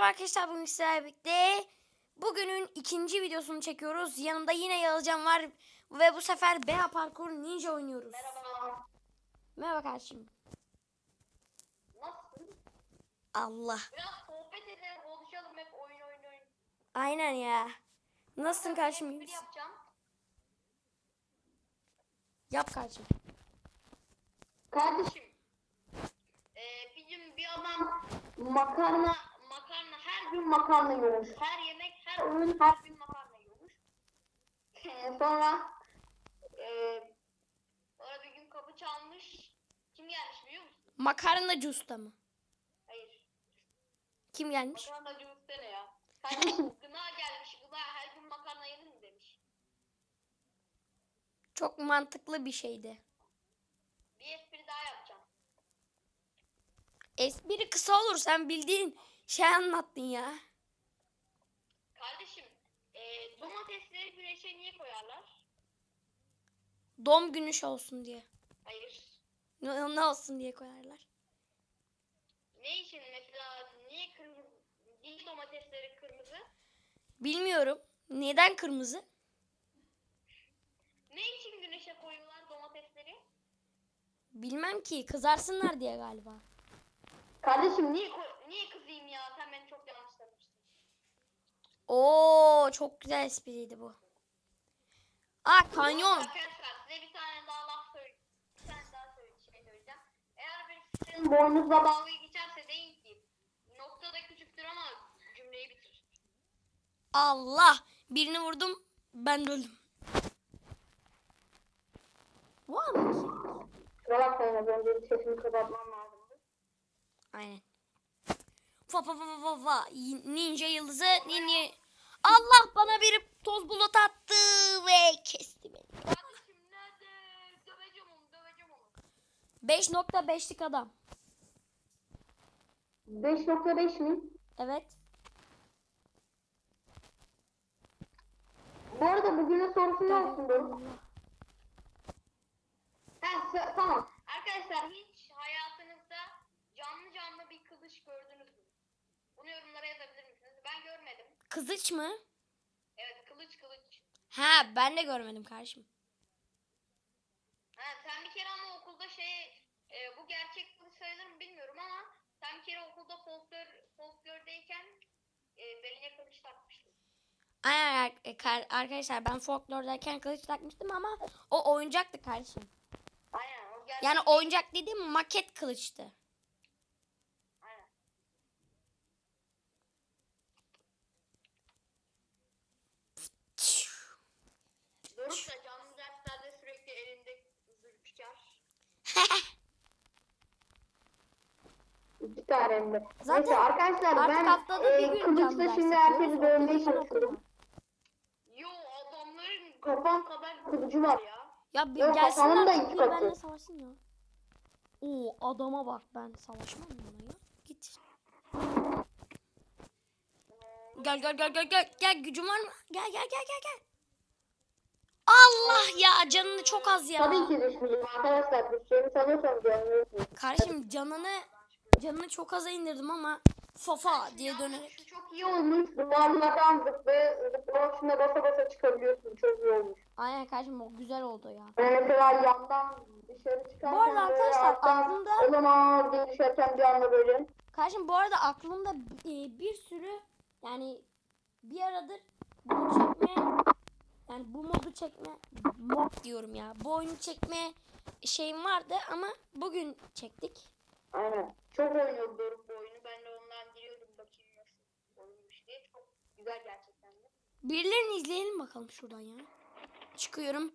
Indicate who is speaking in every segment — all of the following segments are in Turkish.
Speaker 1: Merhaba arkadaşlar, bugün sizlerle birlikte bugünün ikinci videosunu çekiyoruz. Yanımda yine Yağızcan var ve bu sefer Bea Parkur Ninja oynuyoruz.
Speaker 2: Merhaba.
Speaker 1: Merhaba kardeşim.
Speaker 2: Nasılsın?
Speaker 1: Allah.
Speaker 2: Biraz sohbet edelim, konuşalım, hep oyun.
Speaker 1: Aynen ya. Nasılsın
Speaker 2: Ben
Speaker 1: kardeşim?
Speaker 2: espri yapacağım.
Speaker 1: Yap kardeşim.
Speaker 2: Kardeşim, bir gün bir adam makarna her gün makarna yiyormuş. Her yemek, her öğün her gün makarna yiyormuş. Sonra sonra bir gün kapı çalmış. Kim gelmiş biliyor musun?
Speaker 1: Makarnacı usta mı?
Speaker 2: Hayır.
Speaker 1: Kim gelmiş?
Speaker 2: Makarnacı usta ne ya? Kardeşim gına gelmiş. Gına her gün makarna yenir mi demiş.
Speaker 1: Çok mantıklı bir şeydi.
Speaker 2: Bir espri daha yapacağım.
Speaker 1: Espri kısa olur, sen bildiğin şey anlattın ya.
Speaker 2: Kardeşim, domatesleri güneşe niye koyarlar?
Speaker 1: Doğum günü olsun diye.
Speaker 2: Hayır.
Speaker 1: Ne olsun diye koyarlar.
Speaker 2: Ne için mesela niye kırmızı? Niye domatesleri kırmızı?
Speaker 1: Bilmiyorum. Neden kırmızı?
Speaker 2: Ne için güneşe koyuyorlar domatesleri?
Speaker 1: Bilmem ki, kızarsınlar diye galiba.
Speaker 2: Kardeşim niye kızayım ya? Sen beni çok yanlış tanımışsın.
Speaker 1: Oo, çok güzel espriydi bu. Kanyon.
Speaker 2: Arkadaşlar size bir tane daha laf söyleyeyim. Bir tane daha söyleyeceğim. Eğer bir sizin boynuzla dalga geçerse deyin ki nokta da küçüktür ama cümleyi bitir.
Speaker 1: Allah. Birini vurdum. Ben de öldüm. Var mı ki?
Speaker 2: Kusura bakmayın az önce sesimi kapatmam lazımdı.
Speaker 1: Aynen. Fa. Ninja yıldızı. Allah, bana biri toz bulut attı ve kesti beni.
Speaker 2: Kardeşim nerede? Döveceğim onu.
Speaker 1: 5.5'lik adam.
Speaker 2: 5.5 mi?
Speaker 1: Evet.
Speaker 2: Bu arada bugünün sorusu ne olsun Doruk? Tamam. Arkadaşlar hiç hayatınızda canlı bir kılıç gördünüz mü? Bunu yorumlara yazabilir misiniz? Ben görmedim.
Speaker 1: Kızıç mı?
Speaker 2: Evet kılıç.
Speaker 1: Ha, ben de görmedim kardeşim.
Speaker 2: Ha, sen bir kere ama okulda bu gerçek kılıç sayılır mı bilmiyorum ama sen bir kere okulda folklordayken beline kılıç takmıştın.
Speaker 1: Aynen arkadaşlar, ben folklordayken kılıç takmıştım ama o oyuncaktı kardeşim.
Speaker 2: Aynen o gerçek.
Speaker 1: Yani oyuncak dediğim maket kılıçtı.
Speaker 2: Aynen. Doruk da canlı derslerde sürekli elinde zülfikar. İki tane mi?
Speaker 1: Zaten
Speaker 2: Neyse arkadaşlar
Speaker 1: artık
Speaker 2: ben
Speaker 1: haftada bir gün canlı
Speaker 2: kılıçla
Speaker 1: ders
Speaker 2: şimdi
Speaker 1: yapıyoruz.
Speaker 2: herkesi dövmeye
Speaker 1: Okulda ben
Speaker 2: çalışıyorum.
Speaker 1: okudum.
Speaker 2: Yo adamların kafam kadar kılıcı var ya.
Speaker 1: Ya bir
Speaker 2: Yok,
Speaker 1: gelsin
Speaker 2: kafamın da
Speaker 1: artık
Speaker 2: iki
Speaker 1: bir
Speaker 2: katı.
Speaker 1: benimle savaşsın ya. Oo, adama bak, ben savaşmam buna ya. Git. Gel, gücün var mı? Gel. Allah ya, canını çok az ya.
Speaker 2: Tabii ki düşmeyeceğim arkadaşlar. Düşeceğimi sanıyorsanız yanılıyorsunuz.
Speaker 1: Kardeşim canını çok aza indirdim ama fafa diye dönerek.
Speaker 2: Şu çok iyi olmuş. Duvarlardan zıplamak için de basa çıkabiliyorsun. Çok iyi olmuş.
Speaker 1: Aynen kardeşim, o güzel oldu ya.
Speaker 2: Yani mesela yandan dışarı çıkarken
Speaker 1: Bu arada arkadaşlar aklımda
Speaker 2: olamaz diye düşerken bir anda böyle.
Speaker 1: kardeşim bu arada aklımda bir sürü, yani bir aradır bunu çekme, yani bu modu çekme, mod diyorum ya, bu oyunu çekme şeyim vardı ama bugün çektik.
Speaker 2: Aynen. Çok oynuyordum bu oyunu. Ben de ondan giriyordum bakayım nasıl oyunmuş diye. Çok güzel gerçekten de.
Speaker 1: Birilerini izleyelim bakalım şuradan ya. Çıkıyorum.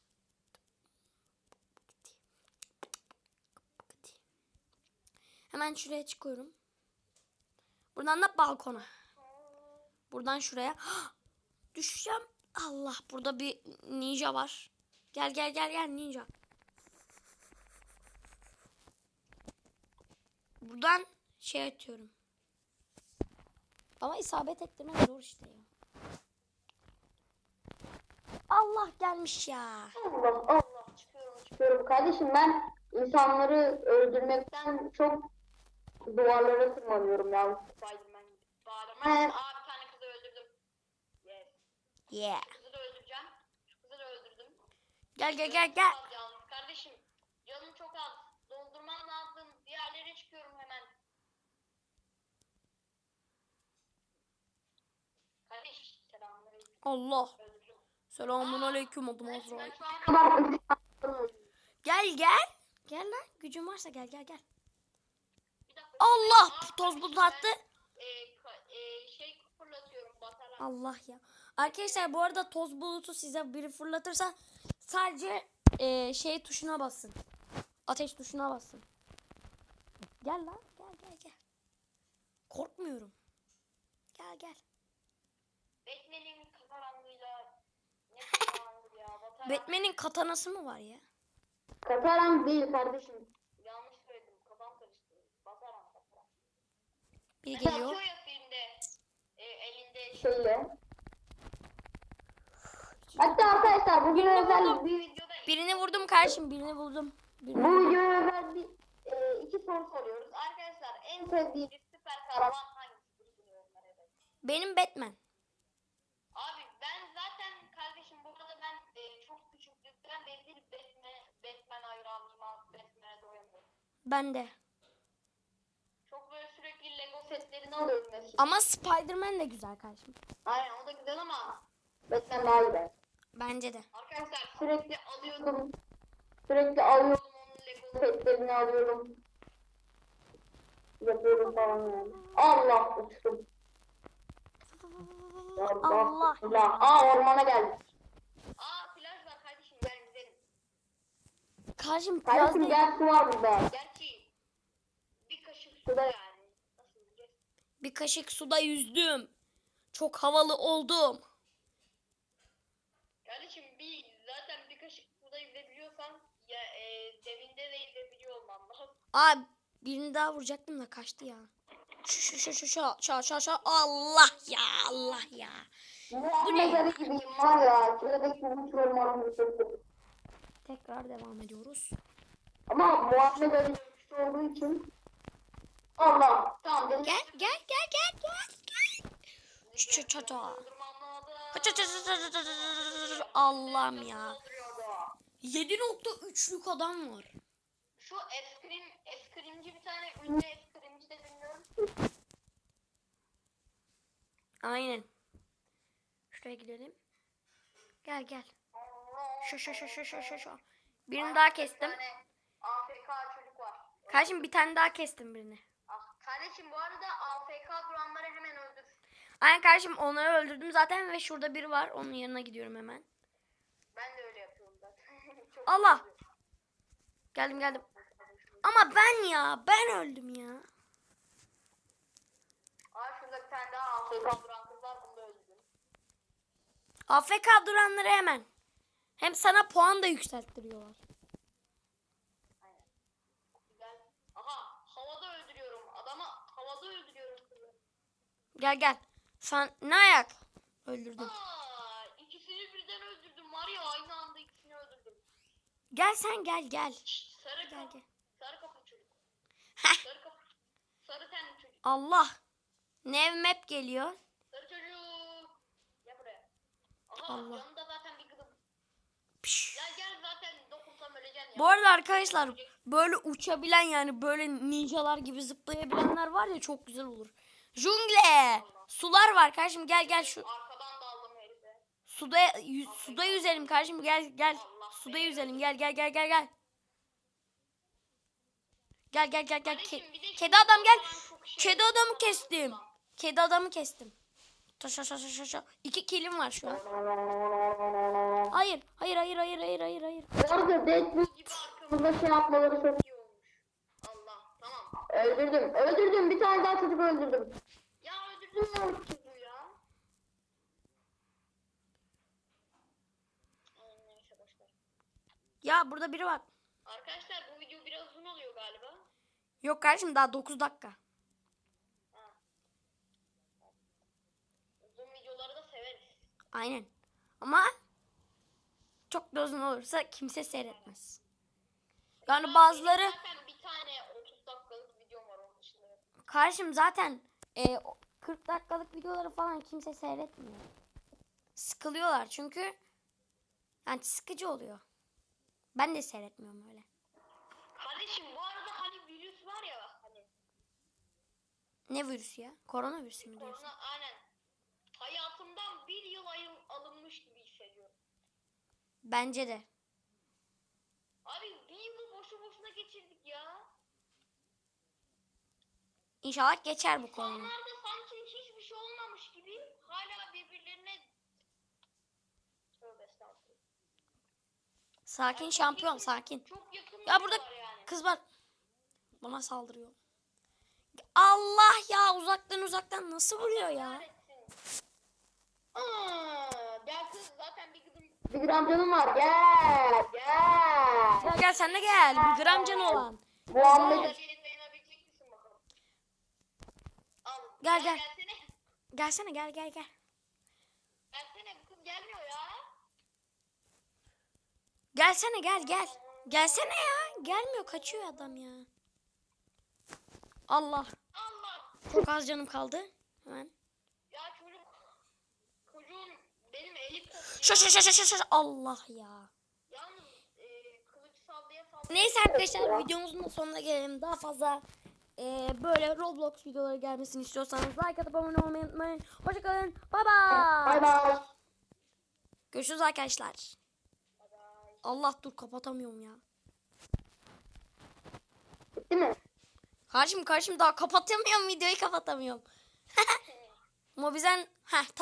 Speaker 1: Hemen şuraya çıkıyorum. Buradan da balkona. Buradan şuraya. Düşeceğim. Allah, burada bir ninja var. Gel ninja. Buradan şey atıyorum. Ama isabet ettirmek zor işte ya. Allah gelmiş ya.
Speaker 2: Allah çıkıyorum. Kardeşim ben insanları öldürmekten çok duvarlara tırmanıyorum ya. Spiderman gibi. Aa, bir tane kızı öldürdüm. Yes.
Speaker 1: Yeah.
Speaker 2: Şu kızı da öldüreceğim. Şu kızı da öldürdüm.
Speaker 1: Gel gel
Speaker 2: Canım
Speaker 1: gel gel.
Speaker 2: çok az yalnız. Kardeşim canım çok az. Doldurmam lazım. Diğerlere çıkıyorum hemen. Kardeş selamünaleyküm.
Speaker 1: Allah.
Speaker 2: Öldürdüm.
Speaker 1: Selamun aleyküm adım
Speaker 2: Kardeşim
Speaker 1: Azrail.
Speaker 2: ben şu an
Speaker 1: Gel gel. Gel lan. Gücün varsa gel gel gel.
Speaker 2: bir dakika.
Speaker 1: Allah,
Speaker 2: Aa,
Speaker 1: toz bulut
Speaker 2: kardeşim,
Speaker 1: attı.
Speaker 2: Şey fırlatıyorum batarak.
Speaker 1: Allah ya. Arkadaşlar bu arada toz bulutu size biri fırlatırsa sadece şey tuşuna basın. Ateş tuşuna basın. Gel lan. Gel gel gel. Korkmuyorum. Gel gel.
Speaker 2: Batman'in kafaranlığıyla ne kafaranlığı ya?
Speaker 1: Batman'in katanası mı var ya?
Speaker 2: Kataran değil kardeşim. Yanlış söyledim. Kafam karıştı. Basaran kataran.
Speaker 1: Biri
Speaker 2: Mesela
Speaker 1: geliyor.
Speaker 2: atıyor ya filmde elinde şeyle. Hatta arkadaşlar bugün özel bir videoda
Speaker 1: Birini vurdum kardeşim. Birini buldum. Birini
Speaker 2: bu
Speaker 1: buldum.
Speaker 2: videoya özel bir iki soru soruyoruz. Arkadaşlar en sevdiğiniz süper kahraman hangisidir bunu yorumlara yazın.
Speaker 1: Benim Batman.
Speaker 2: Abi ben zaten kardeşim bu arada ben çok küçüklükten beri Batman hayranıyım abi. Batman'e doyamıyorum.
Speaker 1: Ben de.
Speaker 2: Çok böyle sürekli Lego setlerini alıyorum mesela.
Speaker 1: Ama Spider-Man de güzel kardeşim.
Speaker 2: Aynen o da güzel ama Batman daha iyi ben.
Speaker 1: Bence de.
Speaker 2: Arkadaşlar sürekli alıyordum. Sürekli alıyordum onun Lego setlerini alıyorum. Yapıyorum falan yani. Allah uçtum.
Speaker 1: Allah.
Speaker 2: Allah. Aa ormana geldik. Aa plaj var kardeşim gel gidelim.
Speaker 1: Kardeşim
Speaker 2: Kardeşim
Speaker 1: biraz
Speaker 2: gel su var burada. Gerçi bir kaşık suda yani. Nasıl diyeceğiz?
Speaker 1: bir kaşık suda yüzdüm. Çok havalı oldum.
Speaker 2: Kardeşim zaten bir kaşık suda yüzebiliyorsan ya devinde de yüzebiliyor olman lazım.
Speaker 1: Aa, birini daha vuracaktım da kaçtı ya. Şu. Allah ya, Allah ya.
Speaker 2: Bu ne? Mezarı gibiyim var ya. Şuradaki uçurum oranı çektim.
Speaker 1: Tekrar devam ediyoruz.
Speaker 2: Ama Muhammed Ali güçlü olduğu için Allah. Tamam dedim.
Speaker 1: Gel gel gel gel gel gel. Allah'ım ya. 7.3'lük adam var.
Speaker 2: Şu eskrimci bir tane ünlü eskrimci de bilmiyorum.
Speaker 1: Aynen. Şuraya gidelim. Gel gel. Şu. Birini daha kestim.
Speaker 2: Bir tane AFK çocuk var.
Speaker 1: Kardeşim bir tane daha kestim birini.
Speaker 2: Kardeşim bu arada AFK duranları hemen öldür.
Speaker 1: Aynen kardeşim, onları öldürdüm zaten ve şurada biri var. Onun yanına gidiyorum hemen.
Speaker 2: Ben de öyle yapıyorum zaten. Çok
Speaker 1: Allah.
Speaker 2: güzel.
Speaker 1: Geldim. Ama ben öldüm ya.
Speaker 2: Aa şurada bir tane daha AFK duran kız var, bunu da öldürdüm.
Speaker 1: AFK duranları hemen. Hem sana puan da yükselttiriyorlar.
Speaker 2: Aynen. Güzel. Aha havada öldürüyorum. Adamı havada öldürüyorum kızı.
Speaker 1: Gel. Sen ne ayak? Öldürdüm.
Speaker 2: Aa ikisini birden öldürdüm. Var ya aynı anda ikisini öldürdüm.
Speaker 1: Gel sen gel.
Speaker 2: Şşt, sarı
Speaker 1: Gel.
Speaker 2: sarı kapı çocuk.
Speaker 1: Heh.
Speaker 2: Sarı kapı. Sarı tenli çocuk.
Speaker 1: Allah. Nev map geliyor.
Speaker 2: Sarı çocuk. Gel buraya. Aha
Speaker 1: Allah.
Speaker 2: yanında zaten bir kızım.
Speaker 1: Piş.
Speaker 2: Gel zaten dokunsam öleceksin ya.
Speaker 1: Bu arada arkadaşlar böyle uçabilen, yani böyle ninjalar gibi zıplayabilenler var ya, çok güzel olur. Jungle. Sular var kardeşim, gel şu.
Speaker 2: Arkadan daldım herife.
Speaker 1: Suda yüzelim kardeşim, gel.
Speaker 2: Allah
Speaker 1: Suda yüzelim, gel. Gel.
Speaker 2: Kardeşim, bir de
Speaker 1: Kedi adam gel.
Speaker 2: falan çok şey
Speaker 1: Kedi
Speaker 2: yok.
Speaker 1: adamı kestim. Kedi adamı kestim. Taşa. 2 kilim var şu an. Hayır.
Speaker 2: Bu arada Deadpool gibi arkamızda şey yapmaları çok iyi olmuş. Allah tamam. Öldürdüm. Bir tane daha çocuk öldürdüm. Ya öldürdüm ya o çocuğu ya. Neyse boşver.
Speaker 1: Ya burada biri var.
Speaker 2: Arkadaşlar bu video biraz uzun oluyor galiba.
Speaker 1: Yok kardeşim, daha 9 dakika.
Speaker 2: Uzun videoları da severiz.
Speaker 1: Aynen. Ama çok da uzun olursa kimse seyretmez. Yani bazıları
Speaker 2: Zaten bir tane 30 dakikalık videom var onun dışında.
Speaker 1: kardeşim zaten 40 dakikalık videoları falan kimse seyretmiyor. Sıkılıyorlar çünkü yani sıkıcı oluyor. Ben de seyretmiyorum öyle.
Speaker 2: Kardeşim bu arada hani virüs var ya bak hani.
Speaker 1: Ne virüsü ya? Koronavirüsü mü diyorsun?
Speaker 2: Korona aynen. Hayatımdan bir yıl alınmış gibi hissediyorum.
Speaker 1: Bence de.
Speaker 2: Abi bir yılı boşu boşuna geçirdik ya.
Speaker 1: İnşallah geçer bu korona.
Speaker 2: İnsanlar da sanki hiçbir şey olmamış gibi hala birbirlerine... Tövbe estağfurullah.
Speaker 1: Sakin
Speaker 2: Yani
Speaker 1: şampiyon sakin.
Speaker 2: Çok yakın
Speaker 1: Ya burada
Speaker 2: yani.
Speaker 1: kız var. Bana saldırıyor. Allah ya uzaktan nasıl vuruyor ya?
Speaker 2: Gel kız zaten bir gram canım var. Gel.
Speaker 1: Gel sen de gel. Bir gram canı olan.
Speaker 2: Muhammed. Dayanabilir misin bakalım? Al.
Speaker 1: Gel.
Speaker 2: Gelsene.
Speaker 1: Gelsene gel.
Speaker 2: Gelsene bu kız gelmiyor ya.
Speaker 1: Gelsene gel. Gelsene ya. Gelmiyor kaçıyor adam ya. Allah.
Speaker 2: Allah.
Speaker 1: Çok az canım kaldı. Hemen.
Speaker 2: Ya çocuğun benim eli koptu.
Speaker 1: Şaş. Allah ya.
Speaker 2: Yalnız kılıç sallaya.
Speaker 1: Neyse arkadaşlar videomuzun da sonuna gelelim. Daha fazla böyle Roblox videoları gelmesini istiyorsanız like atıp abone olmayı unutmayın. Hoşçakalın. Bye bye. Görüşürüz arkadaşlar. Allah dur kapatamıyorum ya.
Speaker 2: Bitti mi?
Speaker 1: Karşım daha kapatamıyorum videoyu kapatamıyorum. Mobizen